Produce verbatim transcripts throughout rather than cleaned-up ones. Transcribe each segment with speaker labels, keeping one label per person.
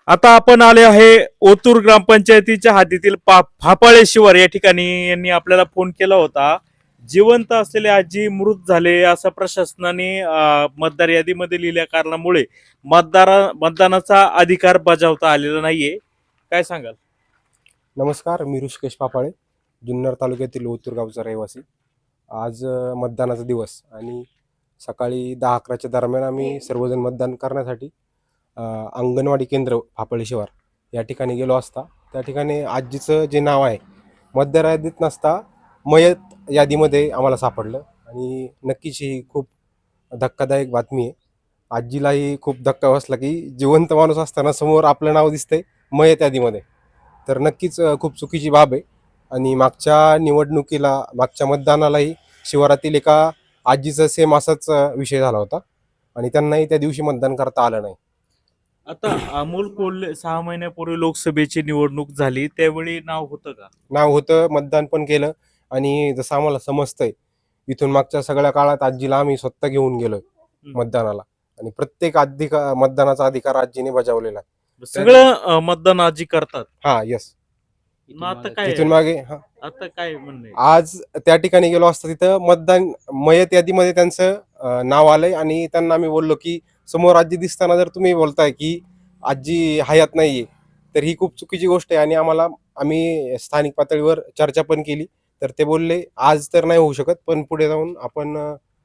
Speaker 1: आता आपण आले आहे ओतूर ग्रामपंचायतीच्या हद्दीतील पा- फापाळे शिवार या ठिकाणी यांनी आपल्याला फोन केला होता. जिवंत असलेले आजी मृत झाले असं प्रशासनाने अं, मतदार यादीमध्ये लिहिल्या कारणामुळे मतदार मतदानाचा अधिकार बजावता आलेला नाहीये. काय सांगाल?
Speaker 2: नमस्कार, मी ऋषिकेश पापाळे, जुन्नर तालुक्यातील ओतूर गावचा रहिवासी. आज अ, मतदानाचा दिवस आणि सकाळी दहा अकराच्या दरम्यान आम्ही सर्वजण मतदान करण्यासाठी अ, अंगणवाडी केंद्र फापळे शिवार या ठिकाणी गेलो असता त्या ठिकाणी आजीचं जे नाव आहे मतदार यादीत नसता मयत यादीमध्ये आम्हाला सापडलं आणि नक्कीच ही खूप धक्कादायक बातमी आहे. आजीलाही खूप धक्का बसला की जिवंत माणूस असताना समोर आपलं नाव दिसतंय मयत यादीमध्ये. तर नक्कीच अ, खूप चुकीची बाब आहे आणि मागच्या निवडणुकीला मागच्या मतदानालाही शिवारातील एका आजीचा सेम असाच अ, विषय झाला होता आणि त्यांनाही त्या दिवशी मतदान करता आलं नाही.
Speaker 1: आता अमोल कोल्हे सहा महिन्यापूर्वी लोकसभेची निवडणूक झाली त्यावेळी नाव होतं का?
Speaker 2: नाव होतं, मतदान पण केलं आणि जसं आम्हाला समजतंय इथून मागच्या सगळ्या काळात आजीला आम्ही स्वतः घेऊन गेलोय
Speaker 1: हम्म.
Speaker 2: मतदानाला आणि प्रत्येक अधिकार मतदानाचा अधिकार आजीने बजावलेला आहे.
Speaker 1: सगळं अं, मतदान आजी करतात.
Speaker 2: हा, येस.
Speaker 1: मग आता काय
Speaker 2: इथून मागे हा
Speaker 1: आता काय म्हणणं आहे?
Speaker 2: आज त्या ठिकाणी गेलो असता तिथं मतदान मयत यादीमध्ये त्यांचं अ, नाव आलंय आणि त्यांना आम्ही बोललो की समोर आजी दिसताना जर तुम्ही बोलताय की आजी हयात नाहीये तर ही खूप चुकीची गोष्ट आहे आणि आम्हाला आम्ही स्थानिक पातळीवर चर्चा पण केली तर ते बोलले आज तर नाही होऊ शकत पण पुढे जाऊन आपण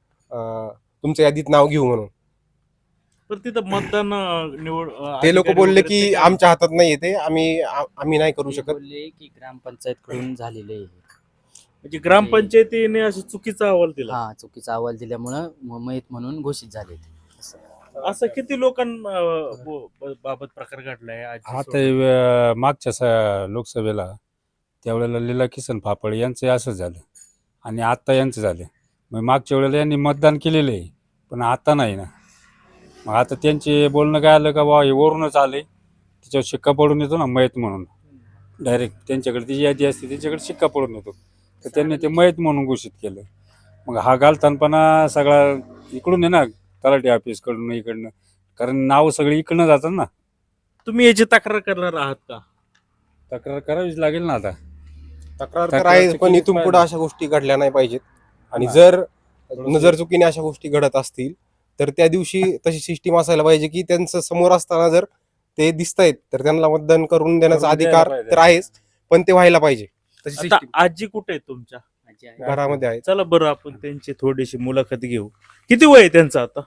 Speaker 2: अ, तुमच्या यादीत नाव घेऊ म्हणून.
Speaker 1: पण तिथं मतदान अं, निवड अं,
Speaker 2: ते लोक
Speaker 1: अधिकारी
Speaker 2: बोलले
Speaker 1: वगैरे
Speaker 2: की
Speaker 1: ते काय
Speaker 2: आमच्या हातात नाहीये ते आम्ही आ- आम्ही नाही करू
Speaker 3: ते
Speaker 2: शकत.
Speaker 3: बोलले की ग्रामपंचायत कडून झालेले आहे.
Speaker 1: म्हणजे ग्रामपंचायतीने असं चुकीचा अहवाल दिला.
Speaker 3: हा, चुकीचा अहवाल दिल्यामुळं म- मयत म्हणून घोषित झाले ते. असं.
Speaker 1: असं किती लोकांबाबत प्रकार घडलाय आजी
Speaker 4: आता
Speaker 1: सोडून?
Speaker 4: अ, मागच्या स- लोकसभेला त्यावेळेला लीला किसन फाफळे यांचं असं झालं आणि आत्ता यांचं झालं. मग मागच्या वेळेला यांनी मतदान केलेलं आहे पण आता नाही ना. मग आता त्यांचे बोलणं काय आलं का बा हे वरूनच आले त्याच्यावर शिक्का पडून येतो ना मयत म्हणून. डायरेक्ट त्यांच्याकडे ती यादी असते त्यांच्याकडे शिक्का पडून येतो तर त्यांनी ते मयत म्हणून घोषित केलं. मग हा घालतानपणा सगळा इकडून आहे ना, तलाठी ऑफिसकडून इकडनं, कारण नाव सगळी इकडनं जातात ना.
Speaker 1: तुम्ही याची तक्रार करणार आहात का?
Speaker 4: तक्रार करावीच लागेल ना आता.
Speaker 2: तक्रार तर
Speaker 4: तक्रार
Speaker 2: आहे
Speaker 4: तर
Speaker 2: पण
Speaker 4: केलीच
Speaker 2: इथून पुढे
Speaker 4: पाहिजे.
Speaker 2: अशा गोष्टी घडल्या नाही पाहिजेत आणि
Speaker 4: हा.
Speaker 2: जर
Speaker 4: थोडंसं-
Speaker 2: नजर चुकीने अशा गोष्टी घडत असतील तर त्या दिवशी तशी सिस्टीम असायला पाहिजे की त्यांचं समोर असताना जर ते दिसतायत तर त्यांना मतदान करून देण्याचा
Speaker 4: करून द्यायला
Speaker 2: अधिकार
Speaker 4: पाहिजे.
Speaker 2: तर आहेच पण ते व्हायला पाहिजे तशी
Speaker 1: आता
Speaker 2: सिस्टीम
Speaker 1: आजी कुठे आहे तुमच्या?
Speaker 3: आजी आहे.
Speaker 2: घरामध्ये आहे.
Speaker 1: चला बरं आपण त्यांची थोडीशी मुलाखत घेऊ. किती वय आहे त्यांचं आता?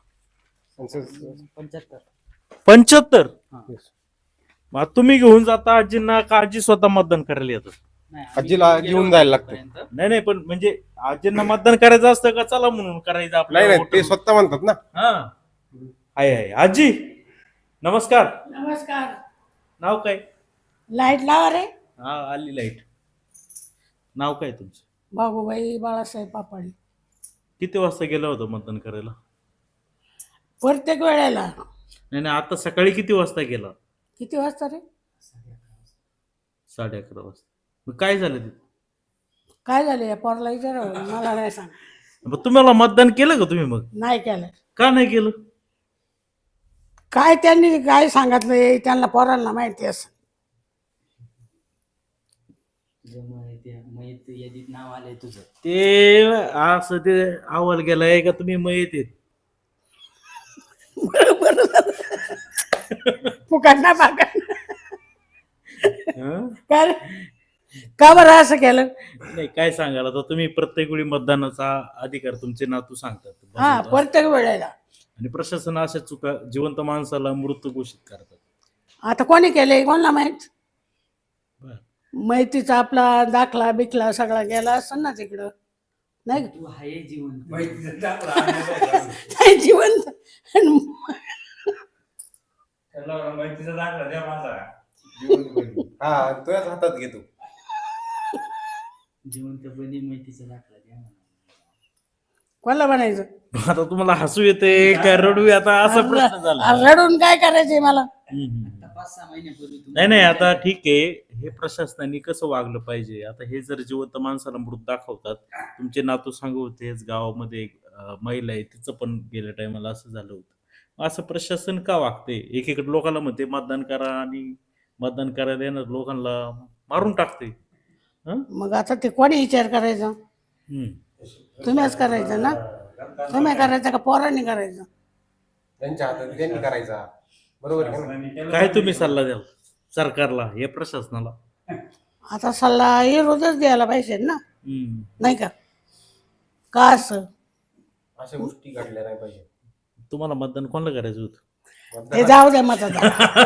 Speaker 3: पंच्याहत्तर.
Speaker 1: पंच्याहत्तर.
Speaker 3: हा.
Speaker 1: मग तुम्ही घेऊन जाता आजींना का आजी स्वतः मतदान करायला येतात?
Speaker 3: नाही, आम्ही
Speaker 2: आजीला
Speaker 3: गेलो
Speaker 2: घेऊन
Speaker 3: होतो
Speaker 2: जायला लागतं.
Speaker 3: तिथपर्यंत.
Speaker 1: नाही नाही पण म्हणजे आजींना मतदान करायचं असतं का चला म्हणून करायचं
Speaker 2: नाही
Speaker 1: आपल्याला
Speaker 2: नाही ते
Speaker 1: वोटर?
Speaker 2: स्वतः म्हणतात ना.
Speaker 1: हा आहे आहे आजी नमस्कार.
Speaker 5: नमस्कार.
Speaker 1: नाव काय?
Speaker 5: लाईट लावा रे.
Speaker 1: हा आली लाईट. नाव काय तुमचं?
Speaker 5: बाबूबाई बाळासाहेब पापाडी.
Speaker 1: किती वाजता गेला होता मतदान करायला?
Speaker 5: प्रत्येक वेळेला.
Speaker 1: नाही नाही आता सकाळी किती वाजता गेला?
Speaker 5: किती वाजता रे?
Speaker 1: साडे अकरा वाजता. मग काय झालं तिथं?
Speaker 5: काय झालं या पोरला विचारा मला नाही सांग.
Speaker 1: मग तुम्हाला मतदान केलं का तुम्ही? मग
Speaker 5: नाही केलं.
Speaker 1: का नाही केलं?
Speaker 5: काय त्यांनी काय सांगितलंय त्यांना पोरांना माहिती असं.
Speaker 3: तुझं मयत मयत यादीत नाव आलंय तुझं.
Speaker 1: ते असं ते अहवाल गेलाय का तुम्ही मग येते?
Speaker 5: फुकटना पाकट. काय रे? का बरं असं केलं?
Speaker 1: नाही काय सांगाल आता तुम्ही प्रत्येक वेळी मतदानाचा अधिकार तुमचे नातू सांगतात
Speaker 5: हा,
Speaker 1: बजावतात.
Speaker 5: प्रत्येक वेळेला.
Speaker 1: आणि प्रशासन अशा चुका जिवंत माणसाला मृत घोषित करतात.
Speaker 5: आता कोणी केलंय कोणाला माहित?
Speaker 1: बरं.
Speaker 5: माहितीचा आपला दाखला बिकला सगळा गेला असं ना तिकडं. नाही
Speaker 3: तू आहे जिवंत.
Speaker 5: नाही, जिवंत.
Speaker 2: हा, तुझ्याच हातात घेतो.
Speaker 3: जिवंतपणी माहितीचा दाखला द्या म्हणा.
Speaker 5: कोणाला म्हणायचं?
Speaker 1: आता तुम्हाला हसू येते काय रडू आता असा प्रश्न झाला.
Speaker 5: रडून काय करायचंय मला?
Speaker 1: हम्म.
Speaker 3: आता पाच सहा महिन्यापूर्वी तुम्ही-
Speaker 1: नाही नाही आता ठीक आहे. हे प्रशासनाने कसं वागलं पाहिजे? आता हे जर जिवंत माणसाला मृत दाखवतात, तुमचे नातू सांगू होतेच गावामध्ये एक अं, महिला आहे तिचं पण गेल्या टायमाला असं झालं होतं. असं प्रशासन का वागते? एकीकडे लोकांना म्हणते मतदान करा आणि मतदान करायला येणार लोकांना मारून टाकते. हं?
Speaker 5: मग आता ते कोणी विचार करायचा?
Speaker 1: हम्म.
Speaker 5: तुम्हीच करायचं ना? तुम्ही करायचं का पोरांनी करायचं?
Speaker 2: त्यांच्या हातात त्यांनी करायचा, बरोबर आहे का नाही?
Speaker 1: काय तुम्ही सल्ला द्याल सरकारला या प्रशासनाला?
Speaker 5: आता सल्ला विरोधच द्यायला पाहिजे ना,
Speaker 1: हम्म.
Speaker 5: नाही का? का असं?
Speaker 2: अशा गोष्टी घडल्या नाही पाहिजे.
Speaker 1: तुम्हाला मतदान कोणाला करायचं होतं?
Speaker 5: ते जाऊ द्या मतदान.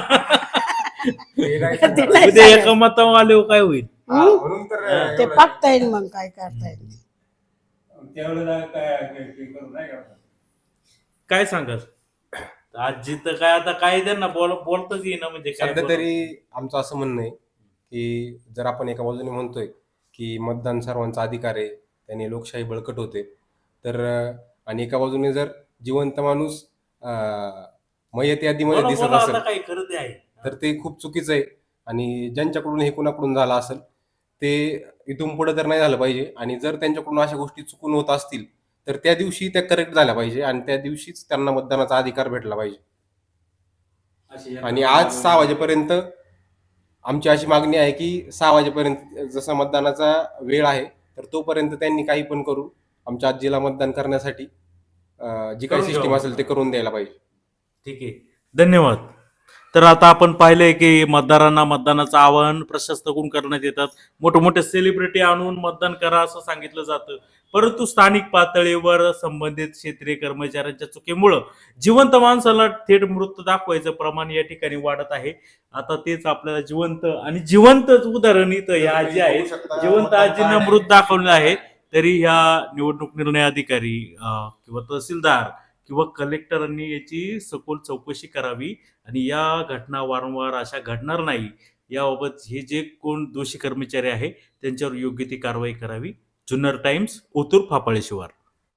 Speaker 2: ते नाही
Speaker 5: ते
Speaker 2: सांगणार.
Speaker 5: नाही
Speaker 1: उद्या एका
Speaker 5: सांगायचं.
Speaker 1: मतावर आले काय होईल?
Speaker 2: हा,
Speaker 5: हं?
Speaker 2: म्हणून तर
Speaker 5: ते
Speaker 2: एवढं-
Speaker 5: पाकता येईल मग काय करता येईल.
Speaker 4: त्यावेळेला काय करू नाही का?
Speaker 1: काय सांगाल? आजी तर काय आता काय त्यांना बोल बोलतच येईना म्हणजे काय
Speaker 2: सध्या
Speaker 1: बोलावं?
Speaker 2: तरी आमचं असं म्हणणं आहे की जर आपण एका बाजूने म्हणतोय की मतदान सर्वांचा अधिकार आहे, त्याने लोकशाही बळकट होते, तर अं, आणि एका बाजूने जर जिवंत माणूस अं, मयत यादीमध्ये
Speaker 1: बोला,
Speaker 2: दिसत
Speaker 1: बोला,
Speaker 2: असेल
Speaker 1: आता काय खरं ते आहे.
Speaker 2: तर ते खूप चुकीचं आहे. आणि ज्यांच्याकडून हे कुणाकडून झालं असेल ते इथून पुढे तर नाही झालं पाहिजे. आणि जर त्यांच्याकडून अशा गोष्टी चुकून होत असतील तर त्या दिवशी त्या करेक्ट झाल्या पाहिजे आणि त्या दिवशीच त्यांना मतदानाचा अधिकार भेटला पाहिजे. आणि आज सहा वाजेपर्यंत आमची अशी मागणी आहे की सहा वाजेपर्यंत जसा मतदानाचा वेळ आहे तर तोपर्यंत त्यांनी काही पण करून आमच्या आजीला मतदान करण्यासाठी अं, जी काही
Speaker 1: करून
Speaker 2: सिस्टीम
Speaker 1: घ्यावं.
Speaker 2: असेल ते करून द्यायला पाहिजे.
Speaker 1: ठीक आहे, धन्यवाद. तर आता आपण पाहिलंय की मतदारांना मतदानाचं आवाहन प्रशासनाकडून करण्यात येतात. मोठे मोठे सेलिब्रिटी आणून मतदान करा असं सांगितलं जातं, परंतु स्थानिक पातळीवर संबंधित क्षेत्रीय कर्मचाऱ्यांच्या चुकीमुळं जिवंत माणसाला थेट मृत दाखवायचं प्रमाण या ठिकाणी वाढत आहे. आता तेच आपल्याला जिवंत आणि जिवंत उदाहरण इथं या आजी आहेत, जिवंत आजींना मृत दाखवलं आहे. तरी ह्या निवडणूक निर्णय अधिकारी अं, किंवा तहसीलदार किंवा कलेक्टरांनी याची सखोल चौकशी करावी आणि या घटना वारंवार अशा घडणार नाही याबाबत हे जे कोण दोषी कर्मचारी आहे त्यांच्यावर योग्य ती कारवाई करावी. जुन्नर टाइम्स, ओतूर फापाळे शिवार.